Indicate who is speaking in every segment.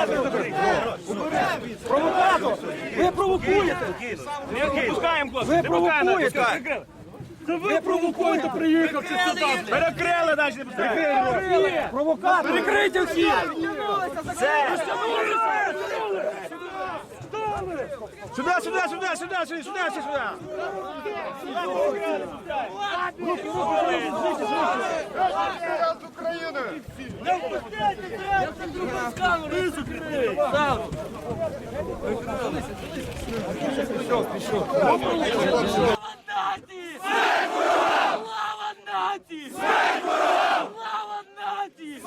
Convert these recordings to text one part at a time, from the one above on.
Speaker 1: Провокатор! Ви провокуєте! Ви провокуєте! Ви провокуєте, приїхавши сюди!
Speaker 2: Перекрили, далі не пускаємо!
Speaker 1: Провокатор! Прикрийте всі!
Speaker 2: Сюди, сюди, сюди, сюди, сюди, сюди, сюди!
Speaker 3: Слава нації! Слава нації!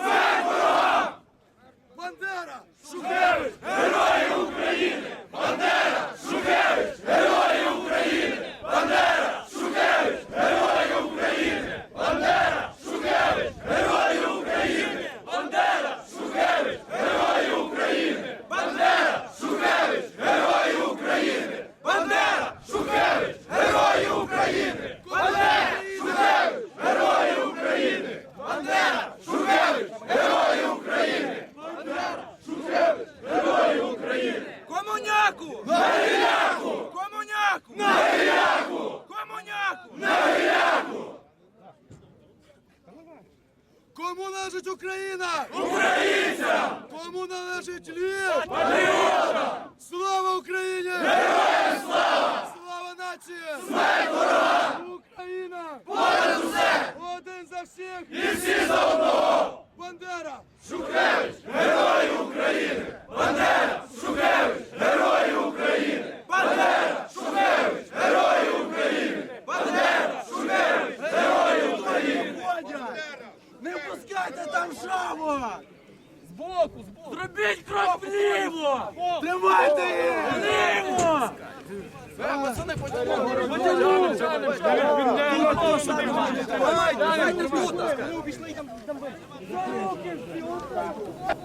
Speaker 1: Бандера!
Speaker 2: Шухевич! Герої України! Бандера! Шухевич! Герої України! Бандера! Шухевич! Герої України! Бандера! Шухевич! Герої України! Бандера! Шухевич! Герої України! Бандера! Шухевич! Герої України! Бандера! Шухевич! Герої України! Бандера! Шухевич! Герої України! Бандера! Шухевич! Герої України! Шухевич! Герої України!
Speaker 1: Комуняку!
Speaker 2: На гіляку!
Speaker 1: Комуняку!
Speaker 2: На гіляку!
Speaker 1: Комуняку!
Speaker 2: На гіляку!
Speaker 1: Кому належить Україна?
Speaker 2: Українцям!
Speaker 1: Кому належить Львів?
Speaker 2: Патріотам!
Speaker 1: Слава Україні!
Speaker 2: Героям слава!
Speaker 1: Слава нації!
Speaker 2: Смерть ворогам!
Speaker 1: Україна!
Speaker 2: Понад усе!
Speaker 1: Один за всіх!
Speaker 2: І всі за одного!
Speaker 1: Бандера!
Speaker 2: Шухевич! Герої України! Бандера! Шухевич! Герої України! Бандера! Шухевич! Герої України! Бандера! Шухевич! Герої України!
Speaker 1: Не впускайте там шаву!
Speaker 3: Зробіть крок вліво!
Speaker 1: Тримайте їх!
Speaker 3: Вліво!
Speaker 1: Давайте,